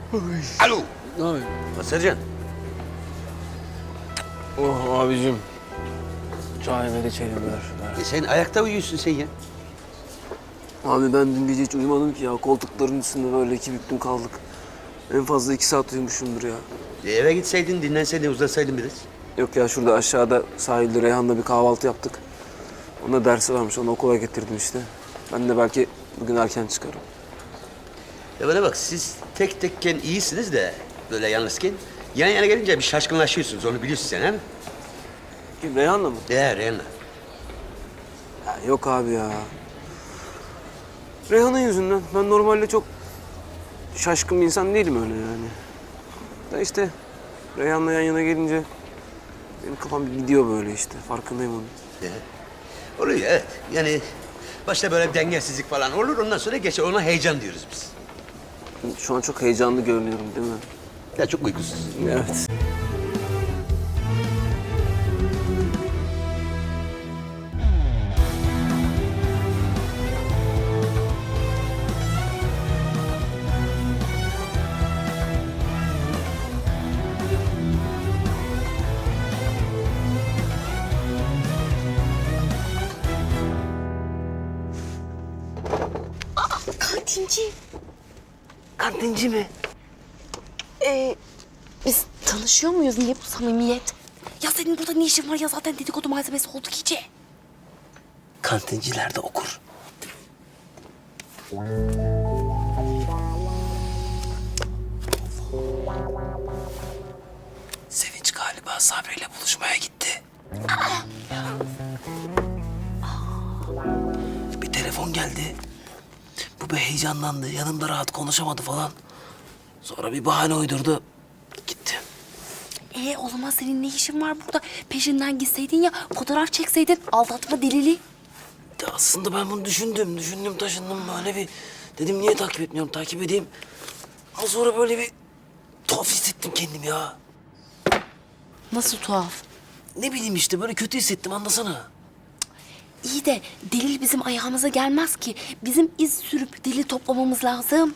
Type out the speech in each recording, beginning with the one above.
Alo. Abi. Sercan. Oh abicim. Çay ver içelim ver. Sen ayakta uyuyorsun sen ya. Abi ben dün gece hiç uyumadım ki ya. Koltukların üstünde böyle iki büktüm kaldık. En fazla 2 saat uyumuşumdur ya. Eve gitseydin, dinlenseydin, uzatsaydın biraz. Yok ya şurada aşağıda sahilde Reyhan'la bir kahvaltı yaptık. Ona dersi varmış. Onu okula getirdim işte. Ben de belki bugün erken çıkarım. Ya bana bak, siz tek tekken iyisiniz de böyle yalnızken yan yana gelince bir şaşkınlaşıyorsunuz. Onu biliyorsun sen, he mi? Kim Reyhan'la mı? Reyhan'la. Ya yok abi ya. Reyhan'ın yüzünden. Ben normalde çok şaşkın bir insan değilim öyle yani. Da işte Reyhan'la yan yana gelince benim kafam bir gidiyor böyle işte. Farkındayım onun. Oluyor, evet. Yani başta böyle bir dengesizlik falan olur. Ondan sonra geçer. Ona heyecan diyoruz biz. Şu an çok heyecanlı görünüyorum değil mi? Ya çok uykusuz. Evet. Kantinci. Kantinci mi? Biz tanışıyor muyuz? Niye bu samimiyet? Ya senin burada ne işin var ya, zaten dedikodu malzemesi olduk iyice. Kantinciler de okur. Sevinç galiba Sabri ile buluşmaya gitti. Bir telefon geldi. Bu bir heyecanlandı. Yanımda rahat konuşamadı falan. Sonra bir bahane uydurdu. Gitti. O zaman senin ne işin var burada? Peşinden gitseydin ya, fotoğraf çekseydin, aldatma delili. Ya aslında ben bunu düşündüm taşındım böyle bir... Dedim niye takip etmiyorum, takip edeyim. Ama sonra böyle bir tuhaf hissettim kendimi ya. Nasıl tuhaf? Ne bileyim işte böyle kötü hissettim, anlasana. İyi de delil bizim ayağımıza gelmez ki. Bizim iz sürüp delil toplamamız lazım.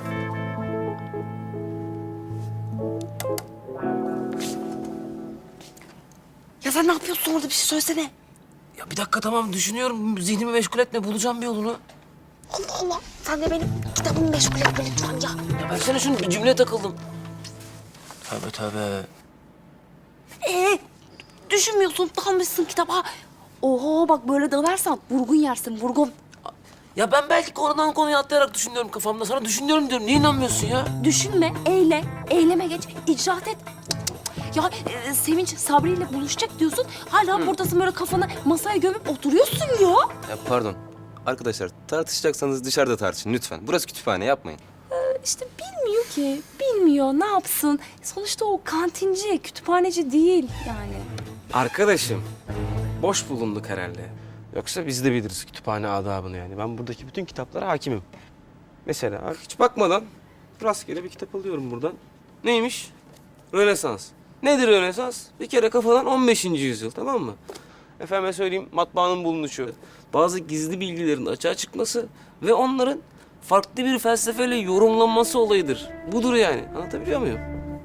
Ya sen ne yapıyorsun orada, bir şey söylesene. Ya bir dakika tamam düşünüyorum, zihnimi meşgul etme, bulacağım bir yolunu. Allah Allah, sen de benim kitabımı meşgul etme lütfen ya. Ya versene şunu, bir cümleye takıldım. Tövbe. Düşünmüyorsun, dalmışsın kitaba. Oho bak, böyle dalarsan vurgun yersin, vurgun. Ya ben belki konudan konuya atlayarak düşünüyorum kafamda. Sana düşünüyorum diyorum, niye inanmıyorsun ya? Düşünme, eyle, eyleme geç, icraat et. Ya Sevinç Sabri ile buluşacak diyorsun. Hala buradasın, böyle kafanı masaya gömüp oturuyorsun ya. Ya pardon. Arkadaşlar tartışacaksanız dışarıda tartışın lütfen. Burası kütüphane, yapmayın. İşte bilmiyor ki, bilmiyor, ne yapsın? Sonuçta o kantinci, kütüphaneci değil yani. Arkadaşım, boş bulunduk herhalde. Yoksa biz de biliriz kütüphane adabını yani. Ben buradaki bütün kitaplara hakimim. Mesela hiç bakmadan rastgele bir kitap alıyorum buradan. Neymiş? Rönesans. Nedir Rönesans? Bir kere kafadan 15. yüzyıl, tamam mı? Efendime söyleyeyim, matbaanın bulunuşu, bazı gizli bilgilerin açığa çıkması ve onların farklı bir felsefeyle yorumlanması olayıdır. Budur yani. Anlatabiliyor muyum?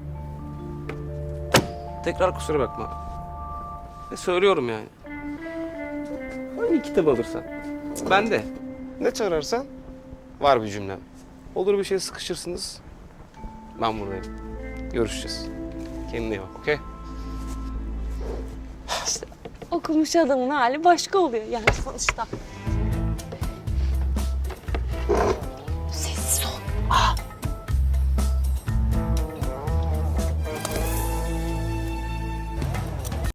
Tekrar kusura bakma. Ve söylüyorum yani. Hangi kitap alırsan. Ben de. Ne çağırırsan var bir cümlem. Olur bir şey sıkışırsınız. Ben buradayım. Görüşeceğiz. Kendine iyi bak, okey? Okumuş adamın hali başka oluyor yani sonuçta.